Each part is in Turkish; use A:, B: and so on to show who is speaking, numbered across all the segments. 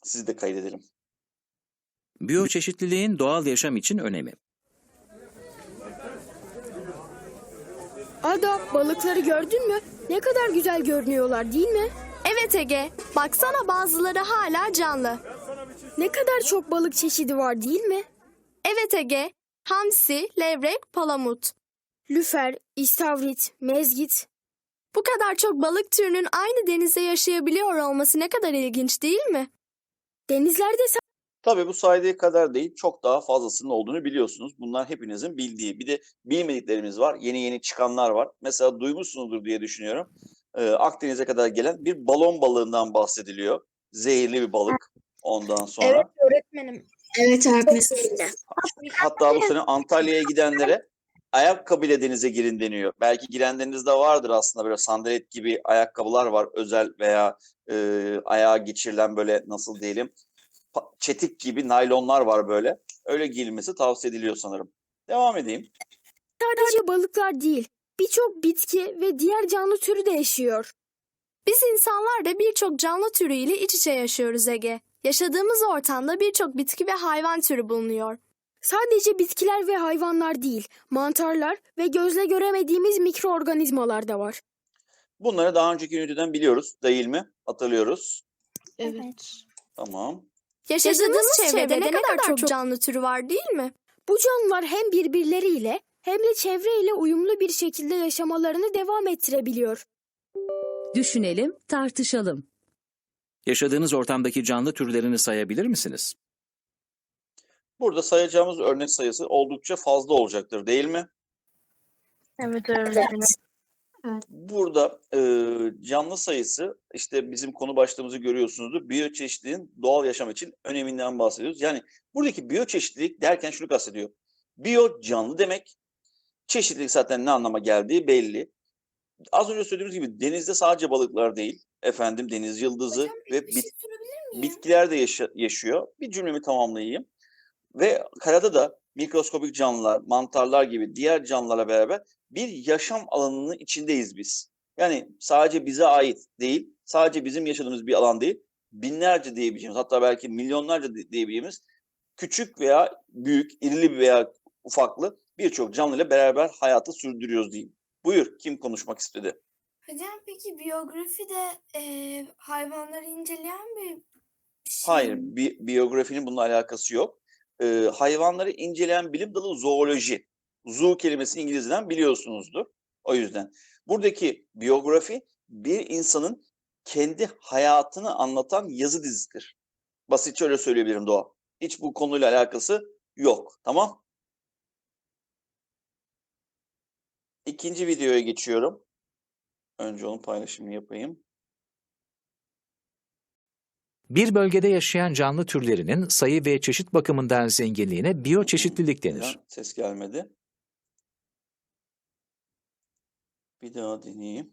A: Sizi de kaydedelim.
B: Biyoçeşitliliğin doğal yaşam için önemi.
C: Ada, balıkları gördün mü? Ne kadar güzel görünüyorlar değil mi?
D: Evet Ege, baksana bazıları hala canlı.
C: Ne kadar çok balık çeşidi var değil mi?
D: Evet Ege, hamsi, levrek, palamut.
C: Lüfer, istavrit, mezgit.
D: Bu kadar çok balık türünün aynı denizde yaşayabiliyor olması ne kadar ilginç değil mi?
C: Denizlerde
A: Tabii bu saydığı kadar değil, çok daha fazlasının olduğunu biliyorsunuz. Bunlar hepinizin bildiği. Bir de bilmediklerimiz var, yeni yeni çıkanlar var. Mesela duymuşsunuzdur diye düşünüyorum. Akdeniz'e kadar gelen bir balon balığından bahsediliyor. Zehirli bir balık ondan sonra.
E: Evet öğretmenim. Evet öğretmenim.
A: Hatta bu sene Antalya'ya gidenlere ayakkabıyla denize girin deniyor. Belki girenlerinizde vardır aslında, böyle sandalet gibi ayakkabılar var, özel veya ayağa geçirilen, böyle nasıl diyelim, çetik gibi naylonlar var böyle. Öyle giyilmesi tavsiye ediliyor sanırım. Devam edeyim.
C: sadece balıklar değil, birçok bitki ve diğer canlı türü de yaşıyor.
D: Biz insanlar da birçok canlı türüyle iç içe yaşıyoruz Ege. Yaşadığımız ortamda birçok bitki ve hayvan türü bulunuyor.
C: Sadece bitkiler ve hayvanlar değil, mantarlar ve gözle göremediğimiz mikroorganizmalar da var.
A: Bunları daha önceki üniteden biliyoruz değil mi? Hatırlıyoruz.
E: Evet.
A: Tamam.
D: Yaşadığımız çevrede ne kadar çok canlı türü var değil mi?
C: Bu canlılar hem birbirleriyle hem de çevreyle uyumlu bir şekilde yaşamalarını devam ettirebiliyor.
F: Düşünelim, tartışalım.
B: Yaşadığınız ortamdaki canlı türlerini sayabilir misiniz?
A: Burada sayacağımız örnek sayısı oldukça fazla olacaktır değil mi?
E: Evet öğretmenim.
A: Burada canlı sayısı, işte bizim konu başlığımızı görüyorsunuzdur. Biyoçeşitliliğin doğal yaşam için öneminden bahsediyoruz. Yani buradaki biyoçeşitlilik derken şunu kastediyor. Biyo canlı demek. Çeşitlilik zaten ne anlama geldiği belli. Az önce söylediğimiz gibi denizde sadece balıklar değil, efendim deniz yıldızı ve bitkiler de yaşıyor. Bir cümlemi tamamlayayım. Ve karada da mikroskobik canlılar, mantarlar gibi diğer canlılarla beraber bir yaşam alanının içindeyiz biz. Yani sadece bize ait değil, sadece bizim yaşadığımız bir alan değil, binlerce diyebileceğimiz, hatta belki milyonlarca diyebileceğimiz küçük veya büyük, irili veya ufaklı birçok canlıyla beraber hayatı sürdürüyoruz diyeyim. Buyur, kim konuşmak istedi?
G: Hocam peki biyografi de hayvanları inceleyen bir şey
A: Hayır,
G: mi?
A: biyografinin bununla alakası yok. Hayvanları inceleyen bilim dalı zooloji. Zoo kelimesini İngilizceden biliyorsunuzdur. O yüzden. Buradaki biyografi bir insanın kendi hayatını anlatan yazı dizisidir. Basitçe öyle söyleyebilirim Doğa. Hiç bu konuyla alakası yok. Tamam? İkinci videoya geçiyorum. Önce onun paylaşımını yapayım.
H: Bir bölgede yaşayan canlı türlerinin sayı ve çeşit bakımından zenginliğine biyoçeşitlilik denir.
A: Neden ses gelmedi? Bir daha deneyeyim.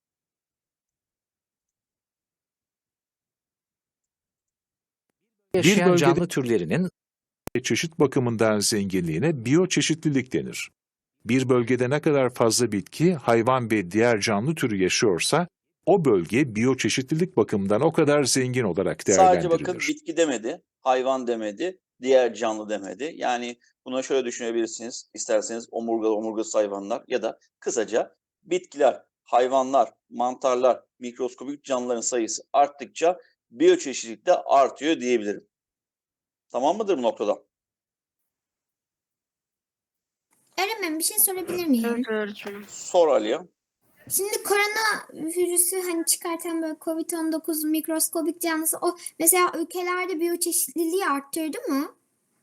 H: Yaşayan
I: bölgede-
H: canlı türlerinin
I: Çeşit bakımından zenginliğine biyoçeşitlilik denir. Bir bölgede ne kadar fazla bitki, hayvan ve diğer canlı türü yaşıyorsa, o bölge biyoçeşitlilik bakımından o kadar zengin olarak
A: Sadece bakın
I: değerlendirilir.
A: bitki demedi, hayvan demedi, diğer canlı demedi. Yani buna şöyle düşünebilirsiniz. İsterseniz omurgalı, omurgasız hayvanlar ya da kısaca bitkiler, hayvanlar, mantarlar, mikroskobik canlıların sayısı arttıkça biyoçeşitlilik de artıyor diyebilirim. Tamam mıdır bu noktada?
J: Öğretmenim bir şey sorabilir miyim?
E: Evet öğretmenim.
A: Sor Aliye.
J: Şimdi korona virüsü hani çıkartan böyle COVID-19 mikroskobik canlısı o mesela ülkelerde biyoçeşitliliği arttırdı mı?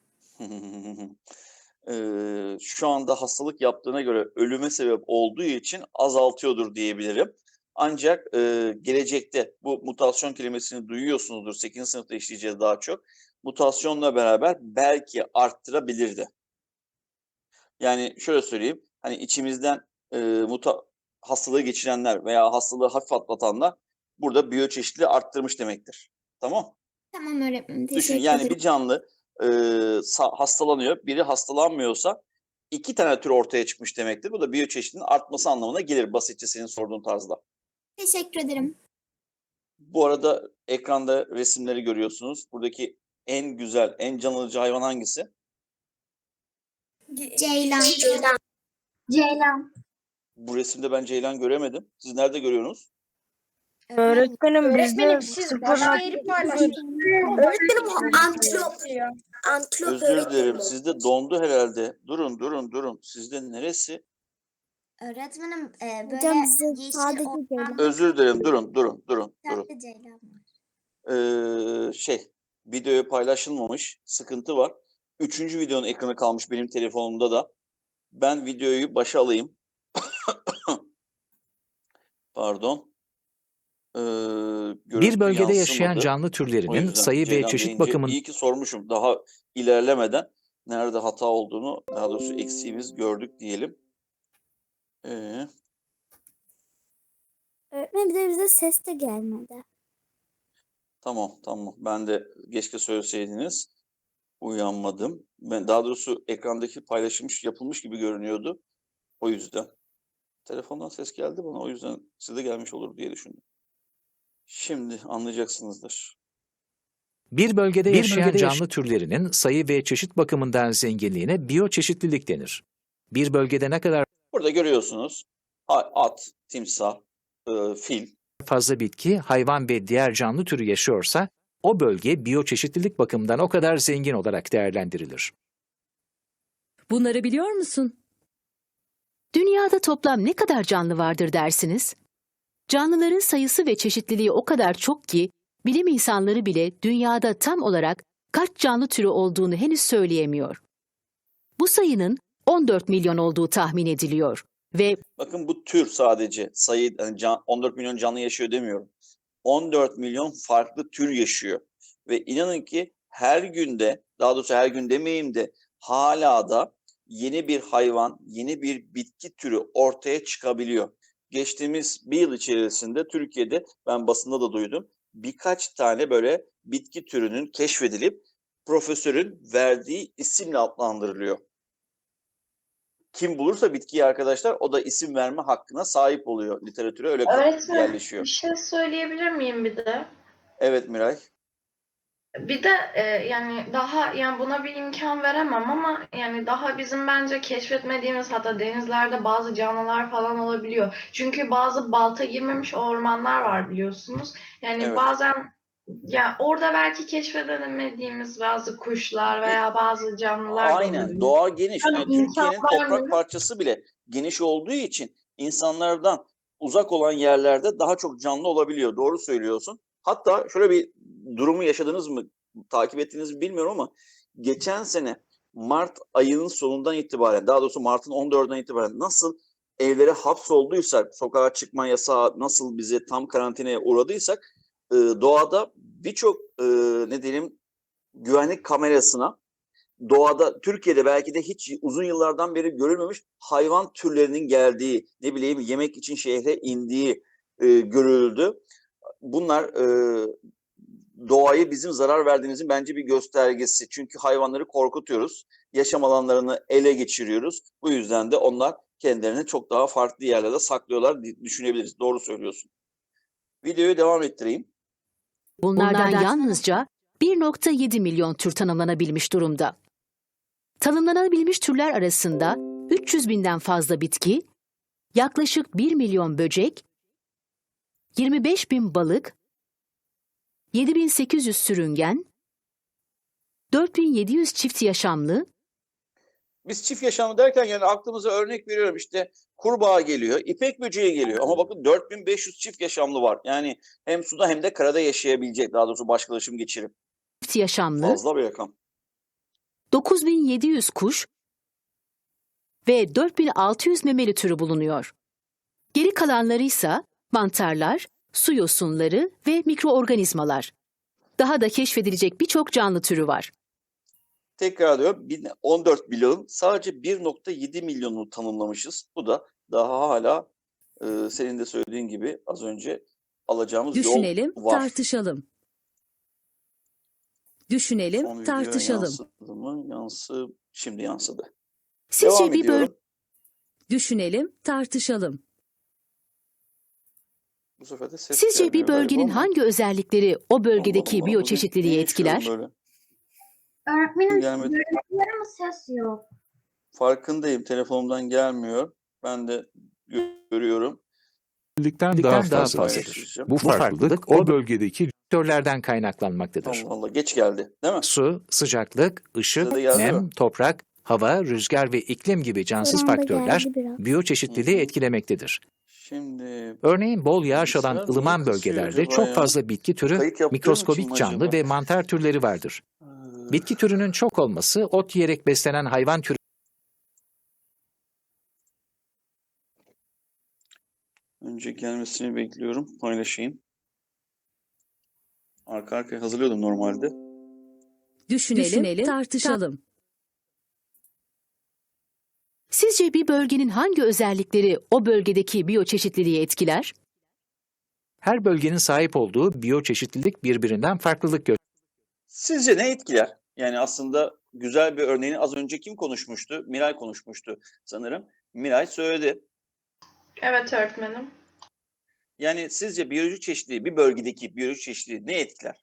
A: Şu anda hastalık yaptığına göre ölüme sebep olduğu için azaltıyordur diyebilirim. Ancak gelecekte bu mutasyon kelimesini duyuyorsunuzdur. 8. sınıfta işleyeceğiz daha çok. Mutasyonla beraber belki arttırabilirdi. Yani şöyle söyleyeyim. Hani içimizden hastalığı geçirenler veya hastalığı hafif atlatanlar burada biyoçeşitliliği arttırmış demektir. Tamam?
J: Tamam öğretmenim
A: Düşün,
J: teşekkür
A: yani
J: ederim.
A: bir canlı hastalanıyor, biri hastalanmıyorsa iki tane tür ortaya çıkmış demektir. Bu da biyoçeşitliliğin artması anlamına gelir, basitçe senin sorduğun tarzda.
J: Teşekkür ederim.
A: Bu arada Ekranda resimleri görüyorsunuz. Buradaki en güzel, en can alıcı hayvan hangisi?
J: Ceylan. Ceylan.
A: Bu resimde ben ceylan göremedim. Siz nerede görüyorsunuz?
E: Öğretmenim bizde
J: Öğretmenim antilop. Antilop
A: Özür dilerim. Sizde dondu herhalde. Durun. Sizde neresi?
J: Öğretmenim
C: Hocam
J: böyle
C: bize
J: yeşil
C: sadece
J: ormanlı
A: Özür dilerim. Durun.
J: tatlı ceylan var.
A: Videoya paylaşılmamış. Sıkıntı var. 3. videonun ekranı kalmış benim telefonumda da. Ben videoyu başa alayım. Pardon.
H: Bir bölgede yaşayan
A: yansımadı.
H: canlı
A: O
H: türlerinin
A: yüzden
H: sayı ve
A: Ceylan
H: çeşit
A: deyince
H: bakımından
A: iyi ki sormuşum. Daha ilerlemeden nerede hata olduğunu, daha doğrusu eksiğimiz gördük diyelim.
C: Öğretmenim bize ses de gelmedi.
A: Tamam. Ben de keşke söyleseydiniz. Uyanmadım. Ben daha doğrusu ekrandaki paylaşılmış, yapılmış gibi görünüyordu. O yüzden. Telefondan ses geldi bana. O yüzden size gelmiş olur diye düşündüm. Şimdi anlayacaksınızdır.
H: bir bölgede yaşayan canlı türlerinin sayı ve çeşit bakımından zenginliğine biyoçeşitlilik denir. Bir bölgede ne kadar
A: Burada görüyorsunuz. At, timsah, fil.
H: fazla bitki, hayvan ve diğer canlı türü yaşıyorsa, o bölge biyoçeşitlilik bakımından o kadar zengin olarak değerlendirilir.
F: Bunları biliyor musun?
K: Dünyada toplam ne kadar canlı vardır dersiniz? Canlıların sayısı ve çeşitliliği o kadar çok ki, bilim insanları bile dünyada tam olarak kaç canlı türü olduğunu henüz söyleyemiyor. Bu sayının 14 milyon olduğu tahmin ediliyor ve
A: Bakın bu tür sadece sayı, yani 14 milyon canlı yaşıyor demiyorum. 14 milyon farklı tür yaşıyor. Ve inanın ki her günde, daha doğrusu her gün demeyeyim de hala da yeni bir hayvan, yeni bir bitki türü ortaya çıkabiliyor. Geçtiğimiz bir yıl içerisinde Türkiye'de, ben basında da duydum, birkaç tane böyle bitki türünün keşfedilip profesörün verdiği isimle adlandırılıyor. Kim bulursa bitkiyi arkadaşlar, o da isim verme hakkına sahip oluyor. Literatüre öyle yerleşiyor.
E: bir şey söyleyebilir miyim bir de?
A: Evet Miray.
E: Bir de yani buna bir imkan veremem ama yani daha bizim bence keşfetmediğimiz, hatta denizlerde bazı canlılar falan olabiliyor. Çünkü bazı balta girmemiş ormanlar var biliyorsunuz. Yani
A: Evet.
E: bazen ya orada belki keşfedemediğimiz bazı kuşlar veya bazı canlılar da
A: Aynen.
E: olabilir.
A: Doğa geniş.
E: Yani
A: Yani Türkiye'nin
E: insanlar
A: toprak parçası bile geniş olduğu için insanlardan uzak olan yerlerde daha çok canlı olabiliyor. Doğru söylüyorsun. Hatta şöyle bir durumu yaşadınız mı, takip ettiğinizi mi bilmiyorum ama geçen sene Mart ayının sonundan itibaren, daha doğrusu Mart'ın 14'ünden itibaren nasıl evlere hapsolduysak, sokağa çıkma yasağı nasıl bizi tam karantinaya uğradıysak, doğada birçok ne diyelim güvenlik kamerasına, doğada Türkiye'de belki de hiç uzun yıllardan beri görülmemiş hayvan türlerinin geldiği, ne bileyim yemek için şehre indiği görüldü. Bunlar doğaya bizim zarar verdiğimizin bence bir göstergesi. Çünkü hayvanları korkutuyoruz. Yaşam alanlarını ele geçiriyoruz. Bu yüzden de onlar kendilerini çok daha farklı yerlerde saklıyorlar düşünebiliriz. Doğru söylüyorsun. Videoyu devam ettireyim.
K: bunlardan yalnızca 1,7 milyon tür tanımlanabilmiş durumda. Tanımlanabilmiş türler arasında 300 binden fazla bitki, yaklaşık 1 milyon böcek, 25 bin balık, 7.800 sürüngen, 4.700 çift yaşamlı,
A: Biz çift yaşamlı derken yani aklımıza örnek veriyorum, işte kurbağa geliyor, ipek böceği geliyor ama bakın 4500 çift yaşamlı var. Yani hem suda hem de karada yaşayabilecek, daha doğrusu başkalaşım geçirip.
K: çift yaşamlı,
A: Fazla bir rakam.
K: 9.700 kuş ve 4.600 memeli türü bulunuyor. Geri kalanları ise mantarlar, su yosunları ve mikroorganizmalar. Daha da keşfedilecek birçok canlı türü var.
A: Tekrar diyorum, 14 milyon, sadece 1,7 milyonunu tanımlamışız. Bu da daha hala senin de söylediğin gibi az önce alacağımız
F: Düşünelim,
A: yol var.
F: tartışalım. Düşünelim,
A: Son video
F: tartışalım.
A: yansıdı mı? Şimdi yansıdı.
K: Sizce
A: Devam
K: bir
A: ediyorum.
F: Düşünelim, tartışalım.
A: Bu sefer de ses
K: Sizce bir
A: gelmiyor galiba
K: bölgenin
A: ama.
K: hangi özellikleri o bölgedeki
A: Allah Allah,
K: biyoçeşitliliği
A: niye
K: etkiler?
A: yaşıyorum böyle?
J: Öğretmenim
A: Gelmedi.
J: görüntüler ama ses yok.
A: Farkındayım. Telefonumdan gelmiyor. Ben de görüyorum.
I: Daha
H: daha
I: fazladır.
A: Paylaşacağım.
I: Bu farklılık o bölgedeki
H: Faktörlerden kaynaklanmaktadır.
A: Allah Allah, geç geldi, değil mi?
H: Su, sıcaklık, ışık,
A: Size de geldi
H: nem,
A: mi?
H: toprak, hava, rüzgar ve iklim gibi cansız faktörler biyoçeşitliliği etkilemektedir.
A: Şimdi
H: Örneğin bol yağış alan
A: Bilgisayar
H: ılıman
A: niye kasıyor
H: bölgelerde
A: acaba
H: çok
A: ya?
H: fazla bitki türü,
A: kayıt yaptığım için
H: mikroskobik
A: mi
H: canlı
A: acaba?
H: ve mantar türleri vardır. Bitki türünün çok olması ot yiyerek beslenen hayvan türü
A: Önce gelmesini bekliyorum. Paylaşayım. Arka arkaya hazırlıyordum normalde.
F: Düşünelim, tartışalım.
K: Sizce bir bölgenin hangi özellikleri o bölgedeki biyoçeşitliliği etkiler?
H: her bölgenin sahip olduğu biyoçeşitlilik birbirinden farklılık gösterir.
A: Sizce ne etkiler? Yani aslında güzel bir örneğini az önce kim konuşmuştu? Miray konuşmuştu sanırım. Miray söyledi.
E: Evet öğretmenim.
A: Yani sizce biyolojik çeşitliliği, bir bölgedeki biyolojik çeşitliliği ne etkiler?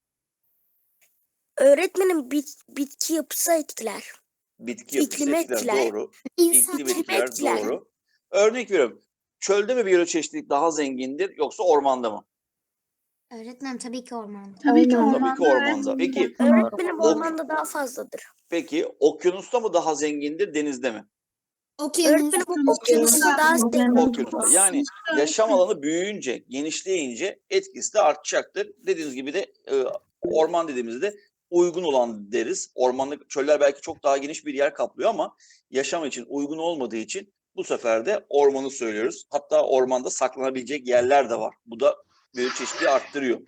C: Öğretmenim bitki yapısı etkiler.
A: Bitki yapısı
C: İklimi
A: etkiler.
C: etkiler.
A: Doğru.
J: İnsan
A: İklim etkiler.
C: etkiler.
A: Doğru. Örnek veriyorum. Çölde mi biyoçeşitlilik daha zengindir yoksa ormanda mı?
J: Öğretmenim tabii ki ormanda.
E: Tabii ki
A: Tabii ki ormanda. Peki,
C: Öğretmenim ormanda daha fazladır.
A: peki okyanusta mı daha zengindir, denizde mi?
C: Öğretmenim okyanusta daha zengin.
A: Okyanusta. Yani yaşam alanı büyüyünce, genişleyince etkisi de artacaktır. Dediğiniz gibi de orman dediğimizde uygun olan deriz. Ormanlık çöller belki çok daha geniş bir yer kaplıyor ama yaşam için uygun olmadığı için bu sefer de ormanı söylüyoruz. Hatta ormanda saklanabilecek yerler de var. Bu da biyoçeşitliliği arttırıyor.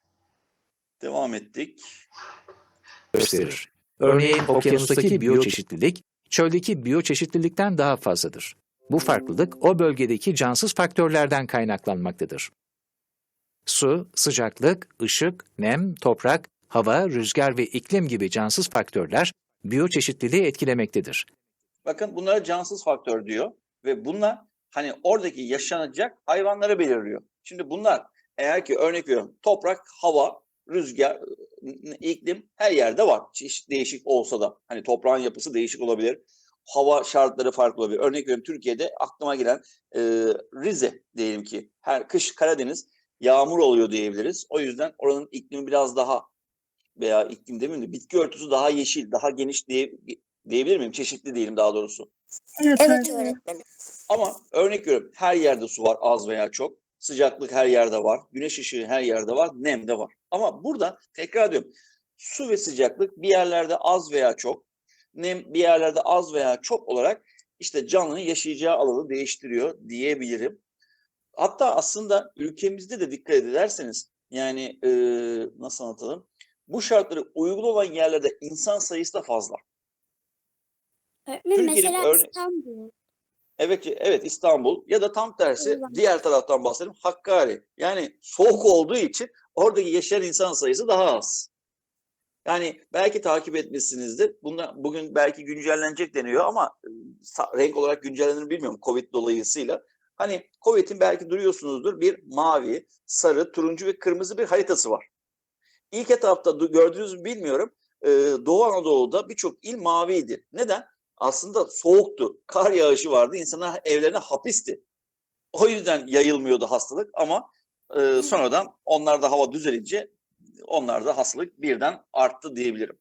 A: Devam ettik.
H: gösterir. Örneğin okyanustaki biyoçeşitlilik çöldeki biyoçeşitlilikten daha fazladır. Bu farklılık o bölgedeki cansız faktörlerden kaynaklanmaktadır. Su, sıcaklık, ışık, nem, toprak, hava, rüzgar ve iklim gibi cansız faktörler biyoçeşitliliği etkilemektedir.
A: Bakın bunlara cansız faktör diyor ve bunlar hani oradaki yaşanacak hayvanları belirliyor. Şimdi bunlar eğer ki örnek veriyorum toprak, hava, rüzgar, iklim her yerde var. Çeşit değişik olsa da hani toprağın yapısı değişik olabilir. Hava şartları farklı olabilir. Örnek veriyorum Türkiye'de aklıma gelen Rize diyelim ki her kış Karadeniz yağmur oluyor diyebiliriz. O yüzden oranın iklimi biraz daha veya iklim demeyeyim de bitki örtüsü daha yeşil, daha geniş diyebilir miyim? Çeşitli diyelim daha doğrusu.
C: Evet öğretmenim.
A: Ama örnek veriyorum her yerde su var az veya çok. Sıcaklık her yerde var. Güneş ışığı her yerde var. Nem de var. Ama burada tekrar diyorum. Su ve sıcaklık bir yerlerde az veya çok. Nem bir yerlerde az veya çok olarak işte canlının yaşayacağı alanı değiştiriyor diyebilirim. Hatta aslında ülkemizde de dikkat ederseniz yani nasıl anlatalım? Bu şartları uygun olan yerlerde insan sayısı da fazla.
C: Öğretmenim
A: Türkiye'nin
C: mesela
A: örne-
C: İstanbul.
A: Evet İstanbul ya da tam tersi diğer taraftan bahsedelim Hakkari. Yani soğuk olduğu için oradaki yaşayan insan sayısı daha az. Yani belki takip etmişsinizdir. Bugün belki güncellenecek deniyor ama renk olarak güncellenir mi bilmiyorum Covid dolayısıyla. Hani Covid'in belki duyuyorsunuzdur bir mavi, sarı, turuncu ve kırmızı bir haritası var. İlk etapta gördünüz mü bilmiyorum. Doğu Anadolu'da birçok il maviydi. Neden? Aslında soğuktu. Kar yağışı vardı. İnsanlar evlerine hapisti. O yüzden yayılmıyordu hastalık ama sonradan onlarda hava düzelince onlarda hastalık birden arttı diyebilirim.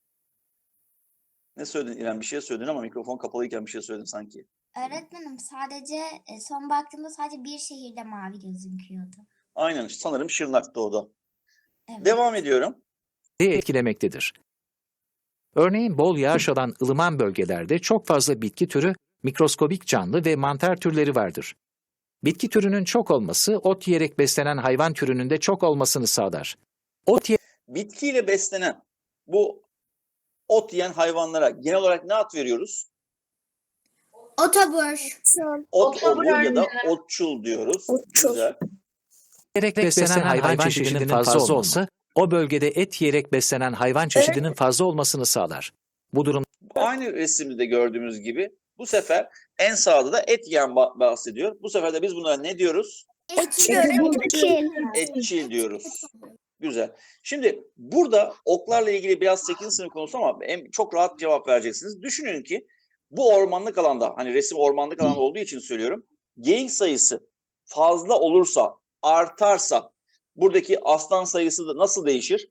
A: Ne söyledin İrem? Bir şey söyledin ama mikrofon kapalıyken bir şey söyledin sanki.
J: Öğretmenim sadece son baktığımda sadece bir şehirde mavi gözüküyordu.
A: Aynen sanırım Şırnak'ta o da.
J: Evet.
A: Devam ediyorum.
H: Etkilemektedir. Örneğin bol yağış alan ılıman bölgelerde çok fazla bitki türü, mikroskobik canlı ve mantar türleri vardır. Bitki türünün çok olması ot yiyerek beslenen hayvan türünün de çok olmasını sağlar.
A: Bitkiyle beslenen bu ot yiyen hayvanlara genel olarak ne ad veriyoruz?
J: Otobur.
A: Otobur ya da otçul diyoruz. Güzel.
H: Yiyerek beslenen hayvan çeşidinin fazla olması, o bölgede et yiyerek beslenen hayvan çeşidinin fazla olmasını sağlar. Bu durum
A: Aynı resimde de gördüğümüz gibi bu sefer en sağda da et yiyen bahsediyor. Bu sefer de biz bunlara ne diyoruz? Etçil diyoruz. Güzel. Şimdi burada oklarla ilgili biraz 8. sınıf konusu ama çok rahat cevap vereceksiniz. Düşünün ki bu ormanlık alanda, hani resim ormanlık alanda olduğu için söylüyorum. Geyik sayısı fazla olursa, artarsa buradaki aslan sayısı da nasıl değişir?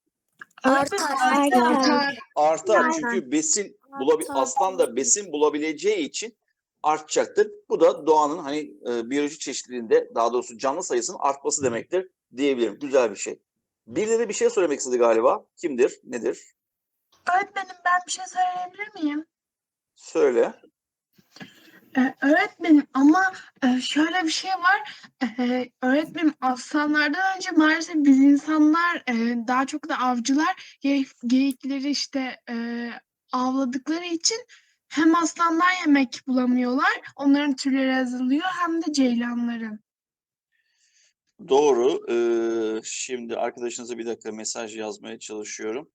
A: Artar. Çünkü aslan da besin bulabileceği için artacaktır. Bu da doğanın hani biyolojik çeşitliliğinde, daha doğrusu canlı sayısının artması demektir diyebilirim. Güzel bir şey. Birileri bir şey söylemek istedi galiba. Kimdir? Nedir?
L: Öğretmenim, ben bir şey söyleyebilir miyim?
A: Söyle.
L: Öğretmenim ama şöyle bir şey var. Öğretmenim, aslanlardan önce maalesef biz insanlar daha çok da avcılar geyikleri işte avladıkları için hem aslanlar yemek bulamıyorlar, onların türleri azalıyor, hem de ceylanların.
A: Doğru. Şimdi arkadaşınıza bir dakika mesaj yazmaya çalışıyorum.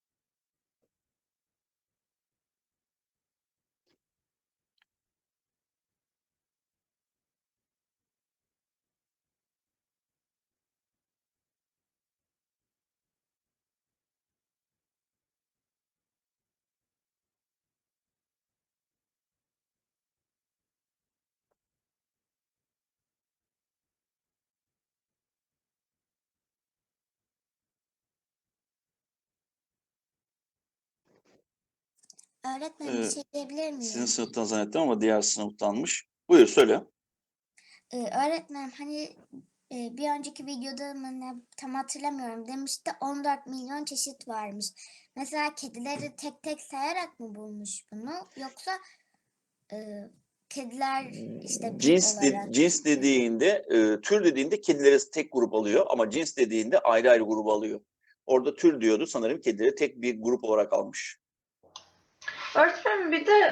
J: Öğretmenim, bir şey diyebilir miyim?
A: Sizin sınıftan zannettim ama diğer sınıftanmış. Buyur söyle.
J: Öğretmenim, hani bir önceki videoda mı ne, tam hatırlamıyorum, demişti 14 milyon çeşit varmış. Mesela kedileri tek tek sayarak mı bulmuş bunu, yoksa kediler işte bir olarak?
A: Cins dediğinde, tür dediğinde kedileri tek grup alıyor ama cins dediğinde ayrı ayrı grup alıyor. Orada tür diyordu, sanırım kedileri tek bir grup olarak almış.
E: Öğretmenim, bir de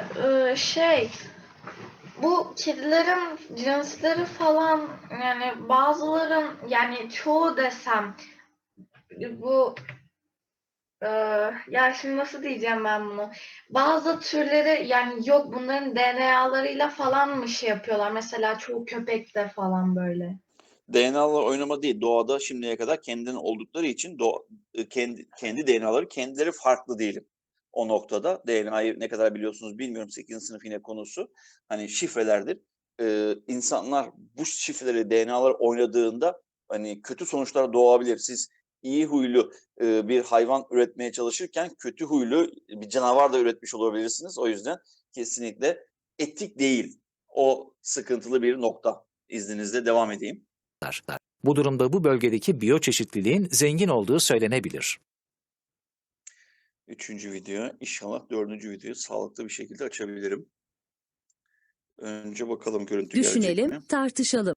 E: bu kedilerin cinsleri falan, yani bazıların, yani çoğu desem bu ya şimdi nasıl diyeceğim ben bunu? Bazı türleri, yani yok, bunların DNA'larıyla falan mı şey yapıyorlar? Mesela çoğu köpekte falan böyle.
A: DNA'lar oynama değil. Doğada şimdiye kadar kendinden oldukları için kendi DNA'ları kendileri farklı diyelim. O noktada DNA'yı ne kadar biliyorsunuz bilmiyorum. 8. sınıf yine konusu. Hani şifrelerdir. İnsanlar bu şifreleri, DNA'lar oynadığında hani kötü sonuçlar doğabilir. Siz iyi huylu bir hayvan üretmeye çalışırken kötü huylu bir canavar da üretmiş olabilirsiniz. O yüzden kesinlikle etik değil. O sıkıntılı bir nokta. İzninizle devam edeyim.
H: Bu durumda bu bölgedeki biyoçeşitliliğin zengin olduğu söylenebilir.
A: 3. video, inşallah 4. videoyu sağlıklı bir şekilde açabilirim. Önce bakalım görüntü gelecek mi?
F: Düşünelim, tartışalım.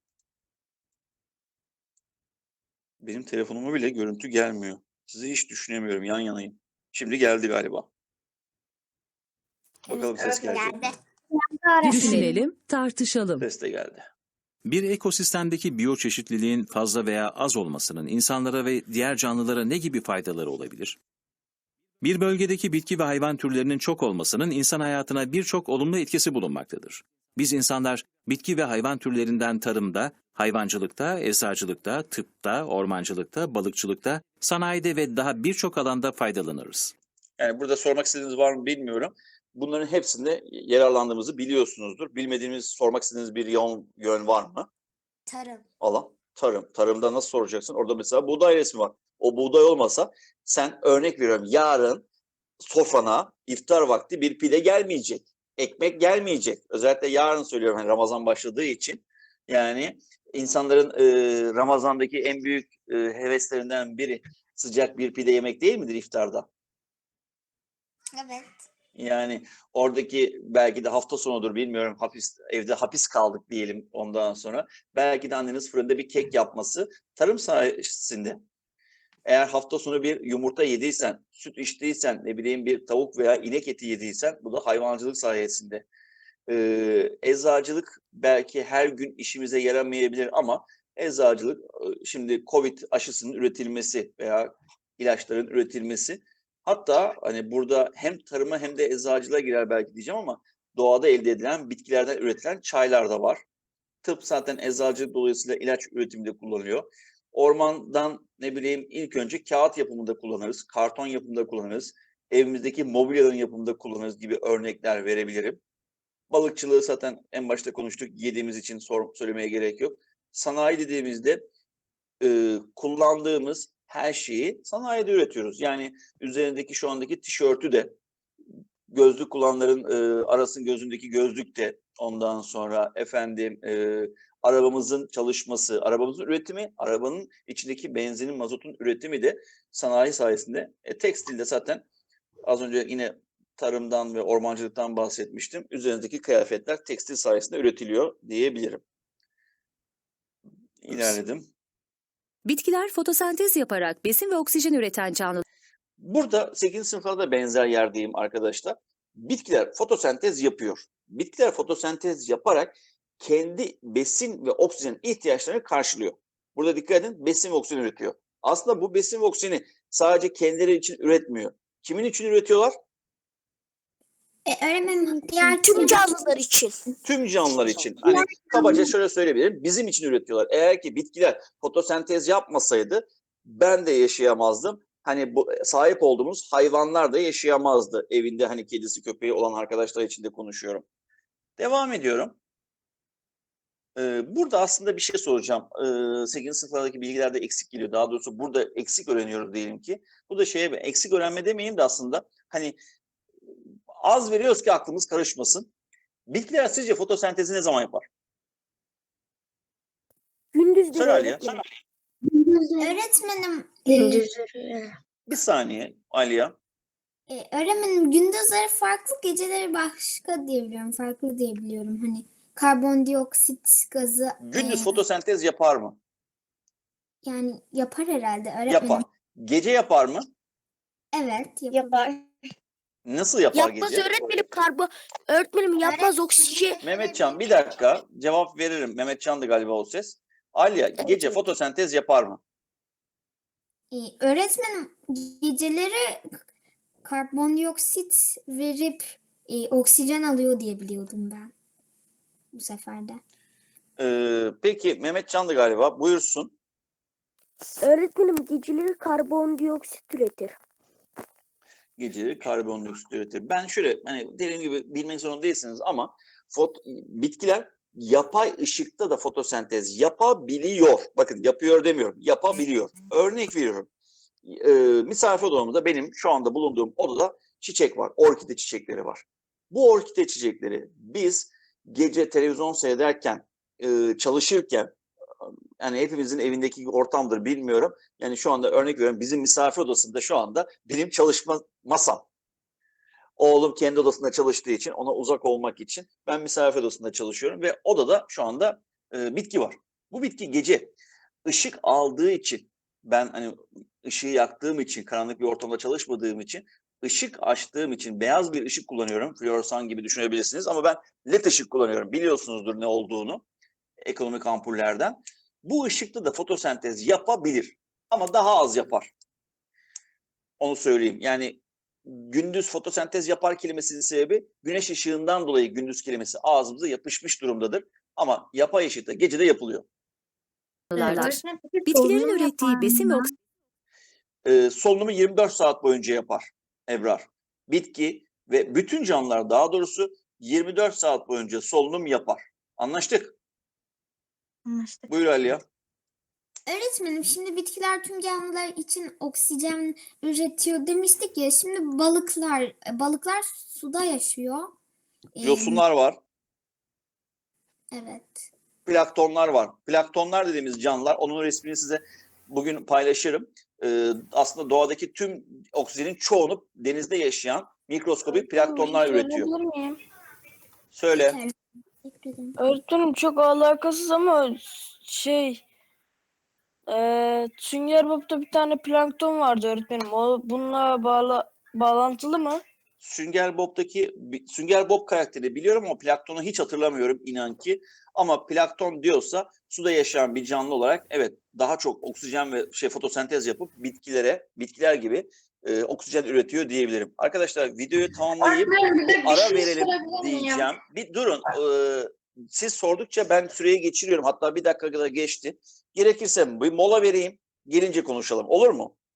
A: Benim telefonuma bile görüntü gelmiyor. Sizi hiç düşünemiyorum, yan yanayım. Şimdi geldi galiba. Bakalım ses gelecek mi?
F: Düşünelim, tartışalım.
A: Ses de geldi.
B: Bir ekosistemdeki biyoçeşitliliğin fazla veya az olmasının insanlara ve diğer canlılara ne gibi faydaları olabilir? Bir bölgedeki bitki ve hayvan türlerinin çok olmasının insan hayatına birçok olumlu etkisi bulunmaktadır. Biz insanlar bitki ve hayvan türlerinden tarımda, hayvancılıkta, eczacılıkta, tıpta, ormancılıkta, balıkçılıkta, sanayide ve daha birçok alanda faydalanırız.
A: Yani burada sormak istediğiniz var mı bilmiyorum. Bunların hepsinde yararlandığımızı biliyorsunuzdur. Bilmediğimiz, sormak istediğiniz bir yön var mı?
J: Tarım.
A: Alan. Tarım. Tarımda nasıl soracaksın? Orada mesela buğday resmi var. O buğday olmasa sen, örnek veriyorum, yarın sofrana iftar vakti bir pide gelmeyecek. Ekmek gelmeyecek. Özellikle yarın söylüyorum, hani Ramazan başladığı için. Yani insanların Ramazan'daki en büyük heveslerinden biri sıcak bir pide yemek değil midir iftarda?
J: Evet.
A: Yani oradaki belki de hafta sonudur bilmiyorum, evde hapis kaldık diyelim ondan sonra. Belki de anneniz fırında bir kek yapması tarım sayesinde. Eğer hafta sonu bir yumurta yediysen, süt içtiysen, ne bileyim bir tavuk veya inek eti yediysen, bu da hayvancılık sayesinde. Eczacılık belki her gün işimize yaramayabilir ama eczacılık, şimdi Covid aşısının üretilmesi veya ilaçların üretilmesi, hatta hani burada hem tarıma hem de eczacılığa girer belki diyeceğim ama doğada elde edilen bitkilerden üretilen çaylar da var. Tıp zaten eczacılık dolayısıyla ilaç üretiminde kullanılıyor. Ormandan ne bileyim ilk önce kağıt yapımında kullanırız, karton yapımında kullanırız, evimizdeki mobilyaların yapımında kullanırız gibi örnekler verebilirim. Balıkçılığı zaten en başta konuştuk, yediğimiz için söylemeye gerek yok. Sanayi dediğimizde kullandığımız her şeyi sanayide üretiyoruz. Yani üzerindeki şu andaki tişörtü de, gözlük kullananların Aras'ın gözündeki gözlük de, ondan sonra efendim arabamızın çalışması, arabamızın üretimi, arabanın içindeki benzinin, mazotun üretimi de sanayi sayesinde. Tekstilde zaten az önce yine tarımdan ve ormancılıktan bahsetmiştim. Üzerindeki kıyafetler tekstil sayesinde üretiliyor diyebilirim. İlerledim.
K: Bitkiler fotosentez yaparak besin ve oksijen üreten canlılar.
A: Burada 8. sınıflarda da benzer yerdeyim arkadaşlar. Bitkiler fotosentez yapıyor. Bitkiler fotosentez yaparak kendi besin ve oksijen ihtiyaçlarını karşılıyor. Burada dikkat edin, besin ve oksijen üretiyor. Aslında bu besin ve oksijeni sadece kendileri için üretmiyor. Kimin için üretiyorlar?
J: Öğretmenim
C: Tüm canlılar için.
A: Tüm canlılar için. Hani kabaca şöyle söyleyebilirim. Bizim için üretiyorlar. Eğer ki bitkiler fotosentez yapmasaydı ben de yaşayamazdım. Hani bu sahip olduğumuz hayvanlar da yaşayamazdı. Evinde hani kedisi köpeği olan arkadaşlar için de konuşuyorum. Devam ediyorum. Burada aslında bir şey soracağım. 8. sınıflardaki bilgilerde eksik geliyor. Daha doğrusu burada eksik öğreniyoruz diyelim ki. Bu da eksik öğrenme demeyeyim de aslında hani az veriyoruz ki aklımız karışmasın. Bitkiler sizce fotosentezi ne zaman yapar?
C: Gündüzleri
A: Söyle Aliye.
J: öğretmenim
A: Bir saniye Aliye.
J: öğretmenim gündüzleri farklı, geceleri başka diyebiliyorum. Farklı diyebiliyorum. Hani karbondioksit gazı
A: Gündüz fotosentez yapar mı?
J: yani yapar herhalde öğretmenim.
A: Yapar. Gece yapar mı?
J: Evet,
C: Yapar.
A: Nasıl yapar
C: Yapmaz
A: gece?
C: öğretmenim yapmaz oksijen.
A: Mehmetcan bir dakika cevap veririm. Mehmetcan da galiba o ses. Aliye gece fotosentez yapar mı?
J: Öğretmenim geceleri karbondioksit verip oksijen alıyor diye biliyordum ben bu sefer de.
A: Peki Mehmetcan da galiba buyursun.
C: Öğretmenim geceleri karbondioksit üretir.
A: Geceleri karbondioksit üretir. Ben şöyle hani dediğim gibi bilmek zorunda değilsiniz ama bitkiler yapay ışıkta da fotosentez yapabiliyor. Bakın yapıyor demiyorum. Yapabiliyor. Örnek veriyorum. Misafir odamda benim şu anda bulunduğum odada çiçek var. Orkide çiçekleri var. Bu orkide çiçekleri biz gece televizyon seyrederken, çalışırken, yani hepimizin evindeki ortamdır bilmiyorum. Yani şu anda örnek veriyorum bizim misafir odasında şu anda benim çalışma masam. Oğlum kendi odasında çalıştığı için ona uzak olmak için ben misafir odasında çalışıyorum ve odada şu anda bitki var. Bu bitki gece ışık aldığı için ben hani ışığı yaktığım için karanlık bir ortamda çalışmadığım için ışık açtığım için beyaz bir ışık kullanıyorum. Floresan gibi düşünebilirsiniz ama ben led ışık kullanıyorum. Biliyorsunuzdur ne olduğunu ekonomik ampullerden. Bu ışıkta da fotosentez yapabilir ama daha az yapar. Onu söyleyeyim. Yani gündüz fotosentez yapar kelimesinin sebebi güneş ışığından dolayı gündüz kelimesi ağzımıza yapışmış durumdadır. Ama yapay ışıkta gecede yapılıyor.
K: Bitkilerin ürettiği besin ve
A: Solunumu 24 saat boyunca yapar Ebrar. Bitki ve bütün canlılar daha doğrusu 24 saat boyunca solunum yapar. Anlaştık?
L: Anlaştık.
A: Buyur Aliye.
J: Öğretmenim şimdi bitkiler tüm canlılar için oksijen üretiyor demiştik ya. Şimdi balıklar suda yaşıyor.
A: Yosunlar var.
J: Evet.
A: Planktonlar var. Planktonlar dediğimiz canlılar, onun resmini size bugün paylaşırım. Aslında doğadaki tüm oksijenin çoğunu denizde yaşayan mikroskobik planktonlar üretiyor. Söyle.
M: Öğretmenim çok alakasız ama Sünger Bob'ta bir tane plankton vardı öğretmenim. O bununla bağlantılı mı?
A: Sünger Bob karakterini biliyorum ama planktonu hiç hatırlamıyorum inan ki. Ama plankton diyorsa suda yaşayan bir canlı olarak evet daha çok oksijen ve fotosentez yapıp bitkiler gibi oksijen üretiyor diyebilirim. Arkadaşlar videoyu tamamlayıp ara verelim diyeceğim. Bir durun. siz sordukça ben süreyi geçiriyorum. Hatta 1 dakika kadar geçti. Gerekirse bir mola vereyim. Gelince konuşalım. Olur mu?